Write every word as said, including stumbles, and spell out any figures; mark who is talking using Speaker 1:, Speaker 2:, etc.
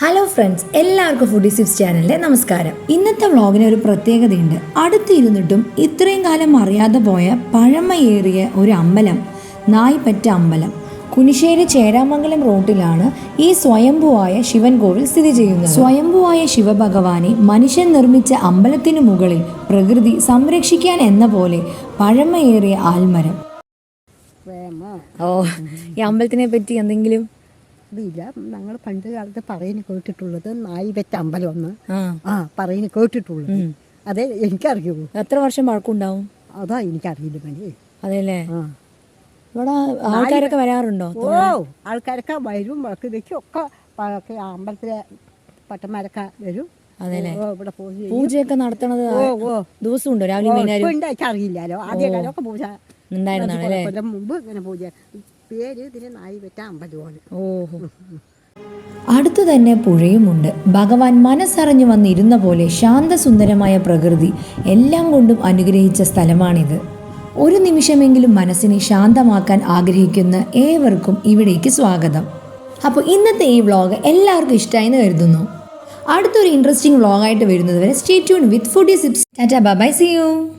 Speaker 1: Hello friends, എല്ലാവർക്കും foodie sips ചാനലിലെ നമസ്കാരം. ഇന്നത്തെ വ്ളോഗിന് ഒരു പ്രത്യേകതയുണ്ട്. അടുത്തിരുന്നിട്ടും ഇത്രയും കാലം അറിയാതെ പോയ പഴമയേറിയ ഒരു അമ്പലം, നായ്പറ്റ അമ്പലം. കുനിശ്ശേരി ചേരാമംഗലം റോട്ടിലാണ് ഈ സ്വയംഭുവായ ശിവൻ കോവിൽ സ്ഥിതി ചെയ്യുന്നത്. സ്വയംഭുവായ ശിവഭഗവാനെ മനുഷ്യൻ നിർമ്മിച്ച അമ്പലത്തിനു മുകളിൽ പ്രകൃതി സംരക്ഷിക്കാൻ എന്ന പോലെ പഴമയേറിയ ആൽമരം. ഓ, ഈ അമ്പലത്തിനെ പറ്റി എന്തെങ്കിലും?
Speaker 2: അതില്ല, ഞങ്ങൾ പണ്ട് കാലത്ത് പറയുന്ന കേട്ടിട്ടുള്ളത് നായ്പറ്റ അമ്പലം ഒന്ന് ആ പറയുന്ന കേട്ടിട്ടുള്ളത്. അതെ എനിക്കറിയുള്ളൂ.
Speaker 1: എത്ര വർഷം പഴക്കമുണ്ടാവും?
Speaker 2: അതാ എനിക്കറിയില്ല മണി.
Speaker 1: അതെല്ലേ? ഇവിടെ ആൾക്കാരൊക്കെ വരാറുണ്ടോ?
Speaker 2: ഓ, ആൾക്കാരൊക്കെ വരും, വിളക്ക് വെക്കും ഒക്കെ. അമ്പലത്തിലെ പട്ടന്മാരൊക്കെ വരും.
Speaker 1: അതെല്ലേ?
Speaker 2: ഇവിടെ
Speaker 1: പൂജയൊക്കെ നടത്തണത് ദിവസം ഉണ്ടോ? രാവിലെ
Speaker 2: അറിയില്ലല്ലോ. ആദ്യ കാലമൊക്കെ പൂജ
Speaker 1: ഉണ്ടായിരുന്നാണ്
Speaker 2: മുമ്പ് ഇങ്ങനെ പൂജ. പേര് ഇതിന് നായ്പറ്റ അമ്പലമാണ്.
Speaker 1: ഓഹോ. അടുത്തു തന്നെ പുഴയുമുണ്ട്. ഭഗവാൻ മനസ്സറിഞ്ഞു വന്നിരുന്ന പോലെ ശാന്തസുന്ദരമായ പ്രകൃതി എല്ലാം കൊണ്ടും അനുഗ്രഹിച്ച സ്ഥലമാണിത്. ഒരു നിമിഷമെങ്കിലും മനസ്സിനെ ശാന്തമാക്കാൻ ആഗ്രഹിക്കുന്ന ഏവർക്കും ഇവിടേക്ക് സ്വാഗതം. അപ്പോൾ ഇന്നത്തെ ഈ വ്ളോഗ് എല്ലാവർക്കും ഇഷ്ടമായി എന്ന് കരുതുന്നു. അടുത്തൊരു ഇൻട്രസ്റ്റിംഗ് വ്ളോഗായിട്ട് വരുന്നത് വരെ stay tune with foodie sips. Tata bye bye, see U.